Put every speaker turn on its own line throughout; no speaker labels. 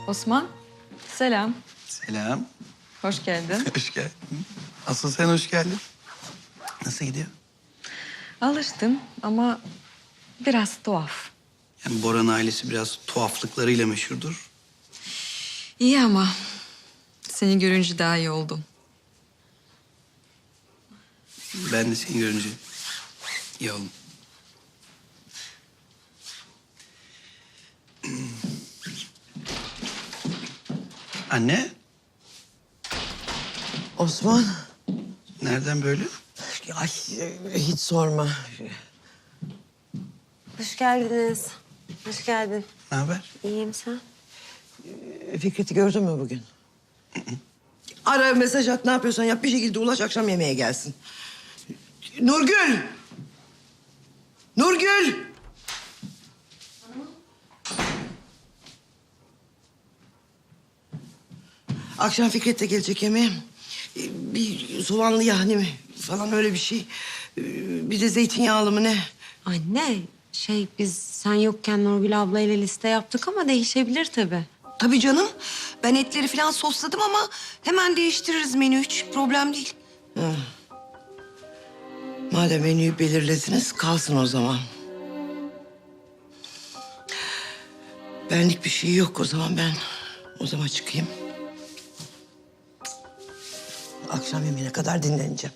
Osman, selam.
Selam.
Hoş geldin.
Hoş geldin. Asıl sen hoş geldin. Nasıl gidiyor?
Alıştım ama biraz tuhaf.
Yani Boran ailesi biraz tuhaflıklarıyla meşhurdur.
İyi ama seni görünce daha iyi oldum.
Ben de seni görünce iyi oldum. Anne,
Osman,
nereden böyle?
ay hiç sorma.
Hoş geldiniz. Hoş geldin.
Ne haber?
İyiyim sen?
Fikret'i gördün mü bugün? Ara, mesaj at, ne yapıyorsan yap. Bir şekilde ulaş, akşam yemeğe gelsin. Nurgül! Nurgül! Akşam Fikret de gelecek yemeğe. Bir soğanlı yahni mi falan, öyle bir şey. Bir de zeytinyağlı mı ne?
Anne, biz sen yokken Nurgül ablayla liste yaptık ama değişebilir tabii.
Tabii canım. Ben etleri falan sosladım ama hemen değiştiririz menü. Hiç problem değil.
Madem menüyü belirlediniz, kalsın o zaman. Benlik bir şey yok o zaman, ben odama çıkayım. Akşam yemeğine kadar dinleneceğim.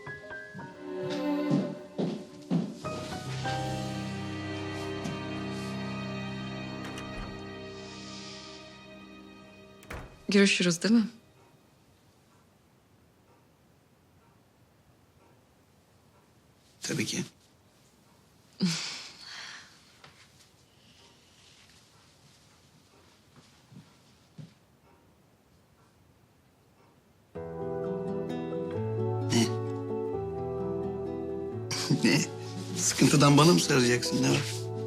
Görüşürüz değil mi?
Tabii ki. Ne? Ne? Sıkıntıdan bana mı saracaksın? Ne var?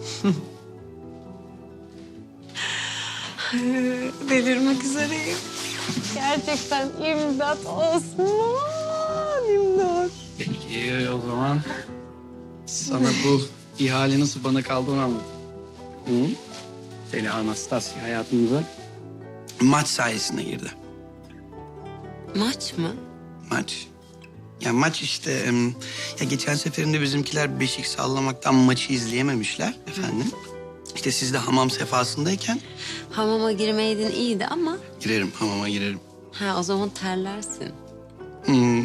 Delirmek üzereyim. Gerçekten imdat Osman, imdat.
Peki o zaman sana bu ihale nasıl bana kaldı onu anlat. Hı? Seni Anastasya hayatımıza maç sayesinde girdi.
Maç mı?
Maç. Ya maç işte ya geçen seferinde bizimkiler beşik sallamaktan maçı izleyememişler efendim. İşte siz de hamam sefasındayken
Hamama girmeydin iyiydi ama...
girerim, hamama girerim.
Ha, o zaman terlersin.
Hmm.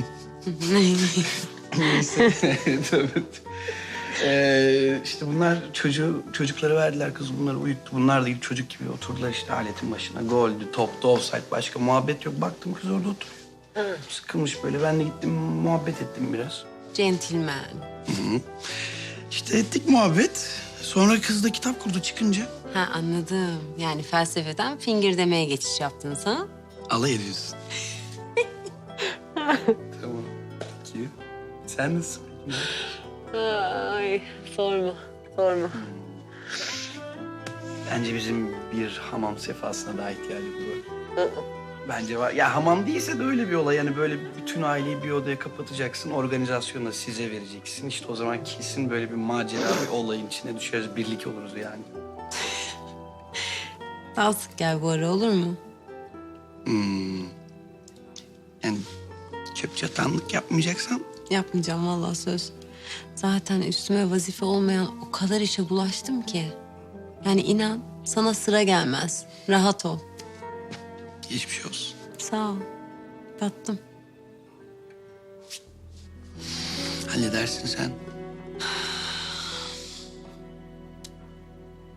Neyse. Evet, evet. İşte bunlar çocukları verdiler, kız bunları uyuttu. Bunlar da çocuk gibi oturdular işte aletin başına. Goldü, toptu, offside, başka muhabbet yok. Baktım kız orada oturuyor. Sıkılmış böyle. Ben de gittim muhabbet ettim biraz.
Centilmen.
İşte ettik muhabbet. Sonra kız da kitap kurdu çıkınca.
Ha, anladım. Yani felsefeden fingir demeye geçiş yaptın sen.
Alay ediyorsun. Tamam. Peki. Sen nasılsın?
Ay, sorma, sorma.
Bence bizim bir hamam sefasına daha ihtiyacımız var. Bence var. Ya hamam değilse de öyle bir olay. Yani böyle bütün aileyi bir odaya kapatacaksın. Organizasyonu da size vereceksin. İşte o zaman kesin böyle bir macera, bir olayın içine düşeriz. Birlik oluruz yani.
Daha sık gel bu ara, olur mu?
Yani çöp çatanlık yapmayacaksan
Yapmayacağım vallahi, söz. Zaten üstüme vazife olmayan o kadar işe bulaştım ki. Yani inan, sana sıra gelmez. Rahat ol.
hiçbir şey olsun.
Sağ ol. Tattım.
Halledersin sen.